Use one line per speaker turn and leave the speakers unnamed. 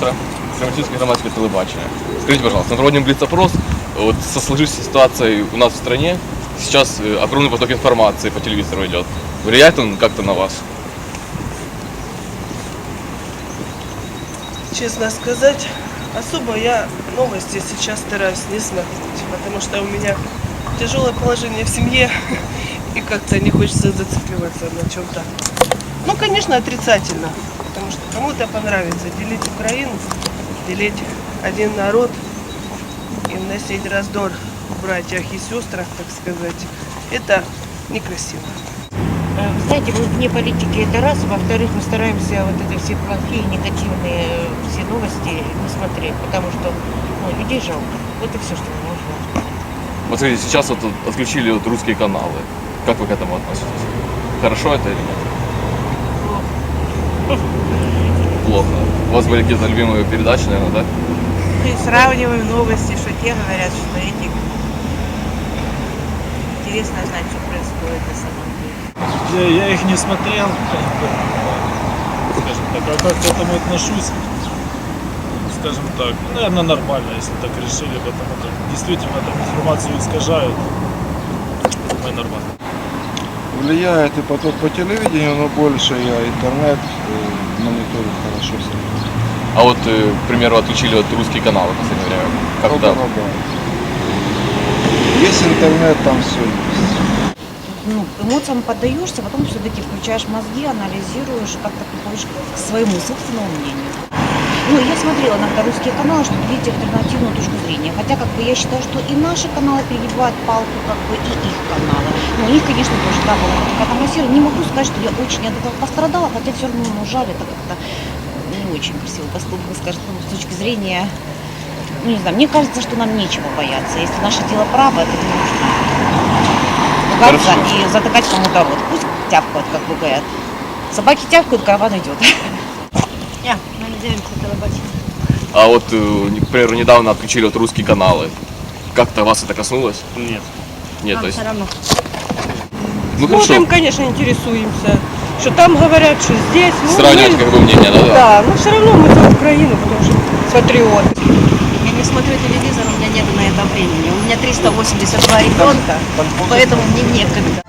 Остра, Кременчугское громадское телебачение. Скажите, пожалуйста, мы проводим блиц-опрос. Вот со сложившейся ситуацией у нас в стране сейчас огромный поток информации по телевизору идет. Влияет он как-то на вас?
Честно сказать, особо я новости сейчас стараюсь не смотреть, потому что у меня тяжелое положение в семье, и как-то не хочется зацикливаться на чем-то. Ну, конечно, отрицательно, потому что кому-то понравится делить Украину, делить один народ и вносить раздор в братьях и сестрах, так сказать. Это некрасиво.
Вы знаете, мы вне политики это раз, во-вторых, мы стараемся вот это все плохие, негативные все новости не смотреть, потому что людей жалко. Вот и все, что мы можем.
Вот смотрите, сейчас вот отключили вот русские каналы. Как вы к этому относитесь? Хорошо это или нет? Плохо. У вас были какие-то любимые передачи, наверное, да?
И сравниваем новости, что те говорят, что эти. Интересно знать, что происходит на самом деле.
Я их не смотрел, скажем так, а как к этому отношусь, скажем так, наверное, нормально, если так решили, потому что действительно там информацию искажают, думаю, нормально.
Влияет и поток по телевидению, но больше я интернет мониторю хорошо все.
А вот, к примеру, отключили вот русские каналы в последнее время. Как-то...
Есть интернет, там все есть.
Ну, эмоциям поддаешься, потом все-таки включаешь мозги, анализируешь, как-то приходишь к своему собственному мнению. Ну, я смотрела иногда русские каналы, чтобы видеть альтернативную точку зрения. Хотя, как бы, я считаю, что и наши каналы перегибают палку, как бы, и их каналы. Ну, у них, конечно, тоже, да, была какая-то массира. Не могу сказать, что я очень от этого пострадала, хотя все равно, ну, жаль, это как-то не очень красивый поступок, скажем, с точки зрения, ну, не знаю, мне кажется, что нам нечего бояться. Если наше дело право, это не нужно ругаться и затыкать кому-то рот. Пусть тявкают, как бы говорят. Собаки тявкают, караван идет.
Мы не делимся телебачением.
А вот, к примеру, недавно отключили вот русские каналы. Как-то вас это коснулось?
Нет.
Нет, то есть...
Все равно.
Ну,
Смотрим,
хорошо.
конечно, интересуемся. Что там говорят, что здесь. Ну,
Сравнивать, как бы, мнение, да?
Да, но все равно мы за Украину, потому что патриоты.
Я не смотрю телевизор, у меня нет на это времени. У меня 382 ребенка, поэтому мне некогда.